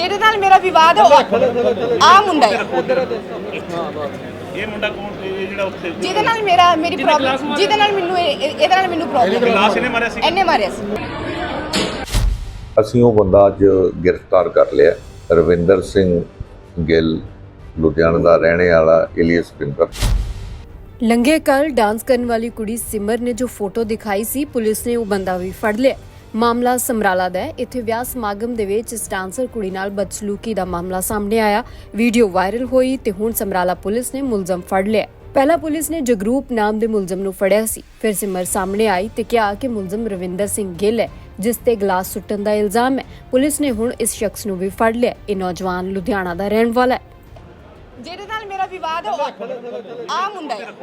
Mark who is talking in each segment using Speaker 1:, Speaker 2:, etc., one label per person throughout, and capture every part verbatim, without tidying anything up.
Speaker 1: ਜਿਹਦੇ ਨਾਲ ਮੇਰਾ ਵਿਵਾਦ ਆ ਮੁੰਡਾ ਹੈ।
Speaker 2: ਇਹ ਮੁੰਡਾ ਕੌਣ ਇਹ ਜਿਹੜਾ ਉੱਥੇ
Speaker 1: ਜਿਹਦੇ ਨਾਲ ਮੇਰਾ ਮੇਰੀ ਪ੍ਰੋਬਲਮ ਜਿਹਦੇ ਨਾਲ ਮੈਨੂੰ ਇਹ- ਇਹਦੇ ਨਾਲ ਮੈਨੂੰ ਪ੍ਰੋਬਲਮ
Speaker 2: ਗਲਾਸ ਇਹਨੇ ਮਾਰਿਆ ਸੀ
Speaker 1: ਇਹਨੇ ਮਾਰਿਆ ਸੀ।
Speaker 3: ਅਸੀਂ ਉਹ ਬੰਦਾ ਅੱਜ ਗ੍ਰਿਫਤਾਰ ਕਰ ਲਿਆ। ਰਵਿੰਦਰ ਸਿੰਘ ਗਿੱਲ ਲੁਧਿਆਣਾ ਦਾ ਰਹਿਣੇ ਵਾਲਾ ਏਲੀਅਸ ਪਿੰਦਰ।
Speaker 4: ਲੰਘੇ ਕੱਲ ਡਾਂਸ ਕਰਨ ਵਾਲੀ ਕੁੜੀ ਸਿਮਰ ਨੇ ਜੋ ਫੋਟੋ ਦਿਖਾਈ ਸੀ, ਪੁਲਿਸ ਨੇ ਉਹ ਬੰਦਾ ਵੀ ਫੜ ਲਿਆ। ਮਾਮਲਾ ਸਮਰਾਲਾ ਦਾ ਹੈ। ਇੱਥੇ ਵਿਆਹ ਸਮਾਗਮ ਦੇ ਵਿੱਚ ਇਸ ਡਾਂਸਰ ਕੁੜੀ ਨਾਲ ਬਦਸਲੂਕੀ ਦਾ ਮਾਮਲਾ ਸਾਹਮਣੇ ਆਇਆ। ਵੀਡੀਓ ਵਾਇਰਲ ਹੋਈ ਤੇ ਹੁਣ ਸਮਰਾਲਾ ਪੁਲਿਸ ਨੇ ਮੁਲਜ਼ਮ ਫੜ ਲਿਆ। ਪਹਿਲਾਂ ਪੁਲਿਸ ਨੇ ਜਗਰੂਪ ਨਾਮ ਦੇ ਮੁਲਜ਼ਮ ਨੂੰ ਫੜਿਆ ਸੀ, ਫਿਰ ਸਿਮਰ ਸਾਹਮਣੇ ਆਈ ਤੇ ਕਿਹਾ ਕਿ ਮੁਲਜ਼ਮ ਰਵਿੰਦਰ ਸਿੰਘ ਗਿੱਲ ਹੈ, ਜਿਸ ਤੇ ਗਲਾਸ ਸੁੱਟਣ ਦਾ ਇਲਜ਼ਾਮ ਹੈ। ਪੁਲਿਸ ਨੇ ਹੁਣ ਇਸ ਸ਼ਖਸ ਨੂੰ ਵੀ ਫੜ ਲਿਆ। ਇਹ ਨੌਜਵਾਨ ਲੁਧਿਆਣਾ ਦਾ ਰਹਿਣ ਵਾਲਾ ਹੈ।
Speaker 1: ਜਿਹਦੇ ਨਾਲ ਮੇਰਾ ਵਿਵਾਦ ਆ ਮੁੰਡਾ ਹੈ।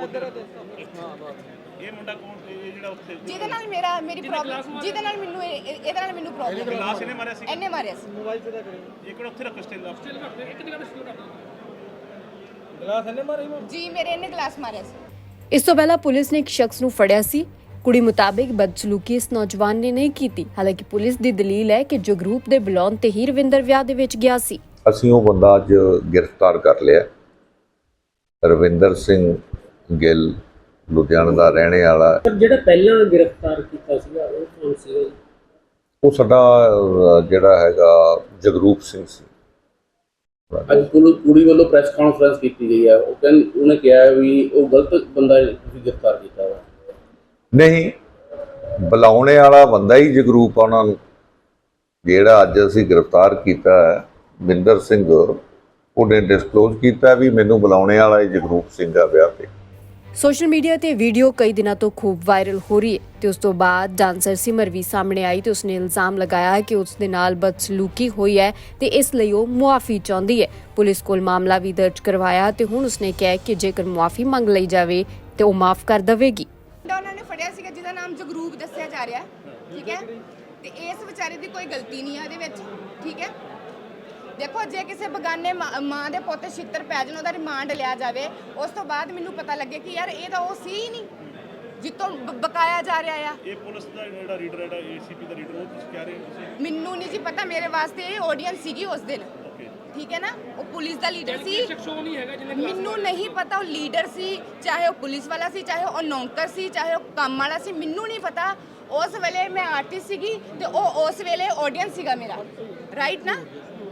Speaker 2: ਇਹ ਮੁੰਡਾ ਕੌਣ ਇਹ ਜਿਹੜਾ ਉੱਥੇ
Speaker 1: ਜਿਹਦੇ ਨਾਲ ਮੇਰਾ ਮੇਰੀ ਪ੍ਰੋਬਲਮ ਜਿਹਦੇ ਨਾਲ ਮੈਨੂੰ ਇਹ- ਇਹਦੇ ਨਾਲ ਮੈਨੂੰ ਪ੍ਰੋਬਲਮ
Speaker 2: ਗਲਾਸ ਇਹਨੇ ਮਾਰਿਆ ਸੀ
Speaker 1: ਇਹਨੇ ਮਾਰਿਆ ਸੀ।
Speaker 2: ਇਹ ਕਿਹੜਾ ਉੱਥੇ ਰੱਖ ਸਟੇਲ ਸਟੇਲ ਰੱਖ ਇੱਕ ਜਗ੍ਹਾ ਤੇ ਸਟੇਲ ਰੱਖ
Speaker 5: ਗਲਾਸ ਇਹਨੇ ਮਾਰਿਆ
Speaker 1: ਜੀ ਮੇਰੇ ਇਹਨੇ ਗਲਾਸ ਮਾਰਿਆ ਸੀ।
Speaker 4: ਇਸ ਤੋਂ ਪਹਿਲਾਂ ਪੁਲਿਸ ਨੇ ਇੱਕ ਸ਼ਖਸ ਨੂੰ ਫੜਿਆ ਸੀ। ਕੁੜੀ ਮੁਤਾਬਿਕ ਬਦਸਲੂਕੀ ਇਸ ਨੌਜਵਾਨ ਨੇ ਨਹੀਂ ਕੀਤੀ। ਹਾਲਾਂਕਿ ਪੁਲਿਸ ਦੀ ਦਲੀਲ ਹੈ ਕਿ ਜਗਰੂਪ ਦੇ ਬੁਲਾਉਣ ਤੇ ਹੀ ਰਵਿੰਦਰ ਵਿਆਹ ਦੇ ਵਿੱਚ ਗਿਆ ਸੀ।
Speaker 3: ਅਸੀਂ ਉਹ ਬੰਦਾ ਅੱਜ ਗ੍ਰਿਫਤਾਰ ਕਰ ਲਿਆ। ਰਵਿੰਦਰ ਸਿੰਘ ਗਿੱਲ ਲੁਧਿਆਣਾ ਦਾ ਰਹਿਣੇ ਵਾਲਾ।
Speaker 5: ਜਿਹੜਾ ਪਹਿਲਾਂ ਗ੍ਰਿਫਤਾਰ ਕੀਤਾ ਸੀਗਾ ਉਹ ਕੌਣ ਸੀਗਾ?
Speaker 3: ਉਹ ਸਾਡਾ ਅਹ, ਜਿਹੜਾ ਹੈਗਾ ਜਗਰੂਪ ਸਿੰਘ ਸੀ।
Speaker 6: ਅੱਜ ਕੁੜੀ ਵੱਲੋਂ ਪ੍ਰੈਸ ਕਾਨਫਰੰਸ ਕੀਤੀ ਗਈ ਹੈ। ਉਹ ਕਹਿੰਦੇ ਉਹਨੇ ਕਿਹਾ ਵੀ ਉਹ ਗਲਤ ਬੰਦਾ ਤੁਸੀਂ ਗ੍ਰਿਫਤਾਰ ਕੀਤਾ ਵਾ।
Speaker 3: ਨਹੀਂ, ਬੁਲਾਉਣੇ ਵਾਲਾ ਬੰਦਾ ਹੀ ਜਗਰੂਪ ਆ। ਉਹਨਾਂ ਨੂੰ ਜਿਹੜਾ ਅੱਜ ਅਸੀਂ ਗ੍ਰਿਫਤਾਰ ਕੀਤਾ ਹੈ ਬਿੰਦਰ ਸਿੰਘ, ਉਹਨੇ ਡਿਸਕਲੋਜ਼ ਕੀਤਾ ਵੀ ਮੈਨੂੰ ਬੁਲਾਉਣੇ ਵਾਲਾ ਹੀ ਜਗਰੂਪ ਸਿੰਘ ਆ ਵਿਆਹ ਤੇ।
Speaker 4: ਸੋਸ਼ਲ ਮੀਡੀਆ ਤੇ ਵੀਡੀਓ ਕਈ ਦਿਨਾਂ ਤੋਂ ਖੂਬ ਵਾਇਰਲ ਹੋ ਰਹੀ ਹੈ ਤੇ ਉਸ ਤੋਂ ਬਾਅਦ ਡਾਂਸਰ ਸਿਮਰ ਵੀ ਸਾਹਮਣੇ ਆਈ ਤੇ ਉਸਨੇ ਇਲਜ਼ਾਮ ਲਗਾਇਆ ਕਿ ਉਸ ਦੇ ਨਾਲ ਬਦਸਲੂਕੀ ਹੋਈ ਹੈ ਤੇ ਇਸ ਲਈ ਉਹ ਮੁਆਫੀ ਚਾਹੁੰਦੀ ਹੈ। ਪੁਲਿਸ ਕੋਲ ਮਾਮਲਾ ਵੀ ਦਰਜ ਕਰਵਾਇਆ ਤੇ ਹੁਣ ਉਸਨੇ ਕਿਹਾ ਕਿ ਜੇਕਰ ਮੁਆਫੀ ਮੰਗ ਲਈ ਜਾਵੇ ਤੇ ਉਹ ਮਾਫ ਕਰ ਦੇਵੇਗੀ।
Speaker 1: ਉਹਨਾਂ ਨੇ ਫੜਿਆ ਸੀਗਾ ਜਿਹਦਾ ਨਾਮ ਜਗਰੂਪ ਦੱਸਿਆ ਜਾ ਰਿਹਾ, ਠੀਕ ਹੈ, ਤੇ ਇਸ ਵਿਚਾਰੇ ਦੀ ਕੋਈ ਗਲਤੀ ਨਹੀਂ ਹੈ ਇਹਦੇ ਵਿੱਚ, ਠੀਕ ਹੈ। ਦੇਖੋ ਜੇ ਕਿਸੇ ਬਗਾਨੇ ਮਾਂ ਦੇ ਪੁੱਤ ਛਿੱਤਰ ਪੈ ਜਾਣ, ਉਹਦਾ ਰਿਮਾਂਡ ਲਿਆ ਜਾਵੇ, ਉਸ ਤੋਂ ਬਾਅਦ ਮੈਨੂੰ ਪਤਾ ਲੱਗੇ ਕਿ ਯਾਰ ਇਹ ਤਾਂ ਉਹ ਸੀ ਹੀ ਨਹੀਂ ਜਿੱਤੋਂ ਬਕਾਇਆ ਜਾ ਰਿਹਾ ਆ।
Speaker 2: ਇਹ ਪੁਲਿਸ ਦਾ ਜਿਹੜਾ ਰੀਡਰ ਹੈ ਏਸੀਪੀ ਦਾ ਰੀਡਰ, ਉਹ ਤੁਸੀਂ ਕਹਿ ਰਹੇ ਹੋ ਤੁਸੀਂ?
Speaker 1: ਮੈਨੂੰ ਨਹੀਂ ਜੀ ਪਤਾ, ਮੇਰੇ ਵਾਸਤੇ ਇਹ ਆਡੀਅנס ਸੀਗੀ ਉਸ ਦਿਨ, ਠੀਕ ਹੈ ਨਾ। ਉਹ ਪੁਲਿਸ ਦਾ ਲੀਡਰ ਸੀ, ਮੈਨੂੰ ਨਹੀਂ ਪਤਾ ਉਹ ਲੀਡਰ ਸੀ, ਚਾਹੇ ਉਹ ਪੁਲਿਸ ਵਾਲਾ ਸੀ, ਚਾਹੇ ਉਹ ਨੌਕਰ ਸੀ, ਚਾਹੇ ਉਹ ਕੰਮ ਵਾਲਾ ਸੀ, ਮੈਨੂੰ ਨਹੀਂ ਪਤਾ। ਉਸ ਵੇਲੇ ਮੈਂ ਆਰਟਿਸਟ ਸੀਗੀ ਤੇ ਉਹ ਉਸ ਵੇਲੇ ਆਡੀਅנס ਸੀਗਾ ਮੇਰਾ, ਰਾਈਟ ਨਾ।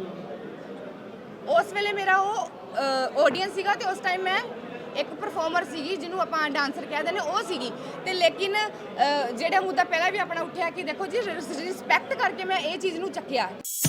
Speaker 1: ਉਸ ਵੇਲੇ ਮੇਰਾ ਉਹ ਆਡੀਅנס ਸੀਗਾ ਤੇ ਉਸ ਟਾਈਮ ਮੈਂ ਇੱਕ ਪਰਫਾਰਮਰ ਸੀਗੀ, ਜਿਹਨੂੰ ਆਪਾਂ ਡਾਂਸਰ ਕਹਿ ਦਿੰਦੇ, ਉਹ ਸੀਗੀ। ਤੇ ਲੇਕਿਨ ਜਿਹੜਾ ਮੁੱਦਾ ਪਹਿਲਾਂ ਵੀ ਆਪਣਾ ਉੱਠਿਆ ਕਿ ਦੇਖੋ ਜੀ ਰਿਸਪੈਕਟ ਕਰਕੇ ਮੈਂ ਇਹ ਚੀਜ਼ ਨੂੰ ਚੱਕਿਆ।